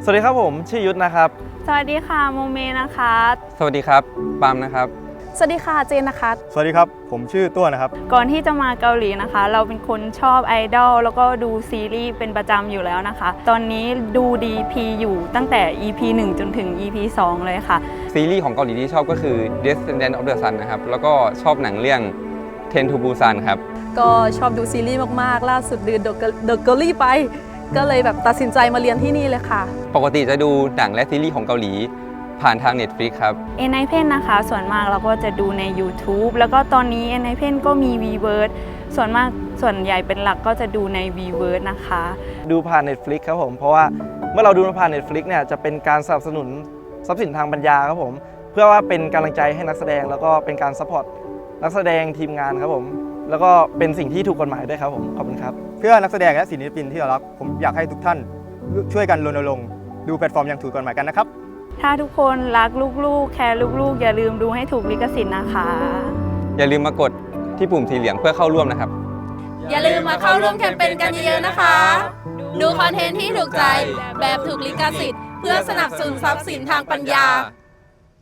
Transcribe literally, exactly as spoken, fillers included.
สวัสดีครับผมชื่อยุทธนะครับสวัสดีค่ะโมเมนะคะสวัสดีครับปามนะครับสวัสดีค่ะเจนนะคะสวัสดีครับผมชื่อตัวนะครับก่อนที่จะมาเกาหลีนะคะเราเป็นคนชอบไอดอลแล้วก็ดูซีรีส์เป็นประจำอยู่แล้วนะคะตอนนี้ดู ดี พี อยู่ตั้งแต่ อี พี หนึ่ง จนถึง อี พี สอง เลยค่ะซีรีส์ของเกาหลีที่ชอบก็คือ Descendant of the Sun นะครับแล้วก็ชอบหนังเรื่อง Train to Busan ครับก็ชอบดูซีรีส์มากๆล่าสุดดูเดอะเกอรี่ไปก็เลยแบบตัดสินใจมาเรียนที่นี่เลยค่ะปกติจะดูหนังและซีรีส์ของเกาหลีผ่านทาง Netflix ครับเอ็น ไอ พี อี นะคะส่วนมากเราก็จะดูใน YouTube แล้วก็ตอนนี้ เอ็น ไอ พี อี ก็มี Vverse ส่วนมากส่วนใหญ่เป็นหลักก็จะดูใน Vverse นะคะดูผ่าน Netflix ครับผมเพราะว่าเมื่อเราดูผ่าน Netflix เนี่ยจะเป็นการสนับสนุนทรัพย์สินทางปัญญาครับผมเพื่อว่าเป็นกำลังใจให้นักแสดงแล้วก็เป็นการซัพพอร์ตนักแสดงทีมงานครับผมแล้วก็เป็นสิ่งที่ถูกกฎหมายด้วยครับผมขอบคุณครับเพื่อนักแสดงและศิลปินที่เรารักผมอยากให้ทุกท่านช่วยกันรณรงค์ดูแพลตฟอร์มอย่างถูกกฎหมายกันนะครับถ้าทุกคนรักลูกๆแคร์ลูกๆอย่าลืมดูให้ถูกลิขสิทธิ์นะคะอย่าลืมมากดที่ปุ่มสีเหลืองเพื่อเข้าร่วมนะครับอย่าลืมมาเข้าร่วมแคมเปญกันเยอะๆนะคะดูคอนเทนต์ที่ถูกใจแบบถูกลิขสิทธิ์เพื่อสนับสนุนทรัพย์สินทางปัญญา